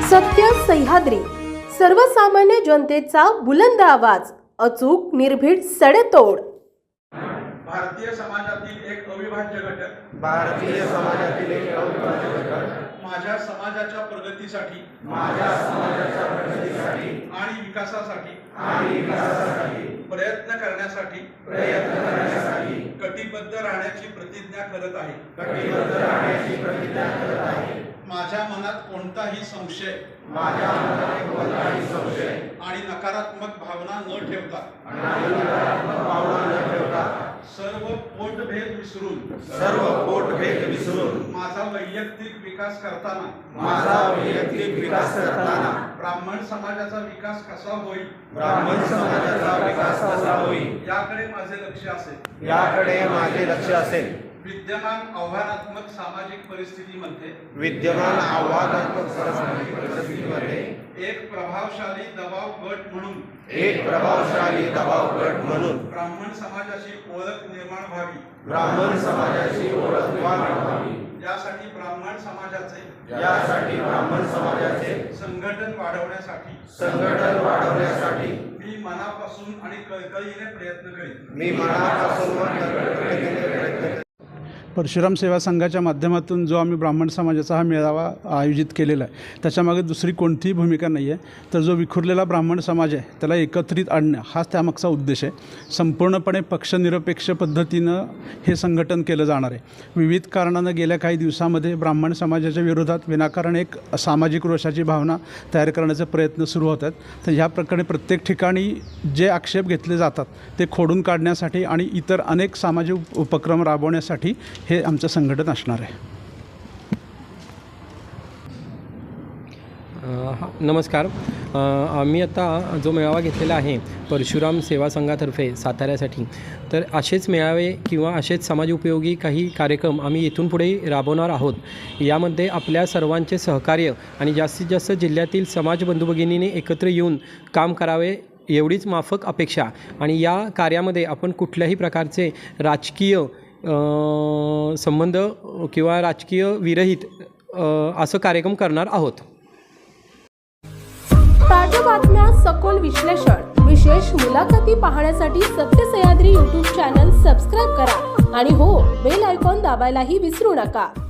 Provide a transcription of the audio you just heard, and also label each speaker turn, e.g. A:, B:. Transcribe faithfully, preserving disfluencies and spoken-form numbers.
A: सत्य सह्याद्री, सर्वसामान्य जनतेचा बुलंद आवाज, अचूक निर्भीड सडेतोड।
B: भारतीय समाजातील एक अविभाज्य घटक
C: भारतीय समाजातील एक अविभाज्य घटक
B: माझ्या समाजाच्या प्रगतीसाठी
C: माझ्या समाजाच्या प्रगतीसाठी
B: आणि विकासासाठी
C: आणि विकासासाठी
B: प्रयत्न करण्यासाठी
C: प्रयत्न करण्यासाठी
B: कटिबद्ध राहण्याची प्रतिज्ञा करत आहे
C: कटिबद्ध राहण्याची प्रतिज्ञा करत आहे।
B: माझ्या मनात कोणताही संशय
C: माझ्या मनात कोणताही संशय
B: आणि नकारात्मक भावना न ठेवता
C: आणि नकारात्मक भावना न ठेवता
B: सर्व पोटभेद विसरून
C: सर्व पोटभेद विसरून
B: माझा वैयक्तिक विकास करताना
C: माझा वैयक्तिक विकास करताना
B: ब्राह्मण समाजाचा विकास कसा होईल
C: ब्राह्मण समाजाचा विकास कसा होईल
B: याकडे माझे लक्ष असेल
C: याकडे माझे लक्ष असेल।
B: विद्यमान आव्हानात्मक सामाजिक परिस्थितीमध्ये
C: विद्यमान आव्हानात्मक सामाजिक परिस्थितीमध्ये
B: एक प्रभावशाली दबाव गट म्हणून
C: एक प्रभावशाली दबाव गट म्हणून
B: ब्राह्मण समाजाची ओळख निर्माण व्हावी
C: ब्राह्मण समाजाची ओळख व्हावी
B: यासाठी ब्राह्मण समाजाचे
C: यासाठी ब्राह्मण समाजाचे
B: संघटन वाढवण्यासाठी
C: संघटन वाढवण्यासाठी
B: मी मनापासून आणि कळकळीने प्रयत्न करेन
C: मी मनापासून व कळकळीने प्रयत्न करेन।
D: परशुराम सेवा संघाच्या माध्यमातून जो आम्ही ब्राह्मण समाजाचा हा मेळावा आयोजित केलेला आहे त्याच्यामागे दुसरी कोणतीही भूमिका नाही आहे, तर जो विखुरलेला ब्राह्मण समाज आहे त्याला एकत्रित आणणं हाच त्यामागचा उद्देश आहे। संपूर्णपणे पक्षनिरपेक्ष पद्धतीनं हे संघटन केलं जाणार आहे। विविध कारणानं गेल्या काही दिवसामध्ये ब्राह्मण समाजाच्या विरोधात विनाकारण एक सामाजिक रोषाची भावना तयार करण्याचे प्रयत्न सुरू होत आहेत, तर ह्या प्रकारे प्रत्येक ठिकाणी जे आक्षेप घेतले जातात ते खोडून काढण्यासाठी आणि इतर अनेक सामाजिक उपक्रम राबवण्यासाठी हे आमचं संघटन असणार आहे।
E: नमस्कार, आम्ही आता जो मेळावा घेतलेला आहे परशुराम सेवा संघातर्फे साताऱ्यासाठी, तर असेच मेळावे किंवा असेच समाज उपयोगी काही कार्यक्रम आम्ही इथून पुढे राबवणार आहोत। यामध्ये आपल्या सर्वांचे सहकार्य आणि जास्तीत जास्त जिल्ह्यातील समाज बंधू भगिनींनी एकत्र येऊन काम करावे एवढीच माफक अपेक्षा। आणि या कार्यामध्ये आपण कुठल्याही प्रकारचे राजकीय संबंध किंवा राजकीय विरहित असं कार्यक्रम करणार आहोत।
A: ताज्या बातम्या, सखोल विश्लेषण, विशेष मुलाखती पाहण्यासाठी सत्य सह्याद्री यूट्यूब चॅनल सबस्क्राईब करा आणि हो, बेल आयकॉन दाबायलाही विसरू नका।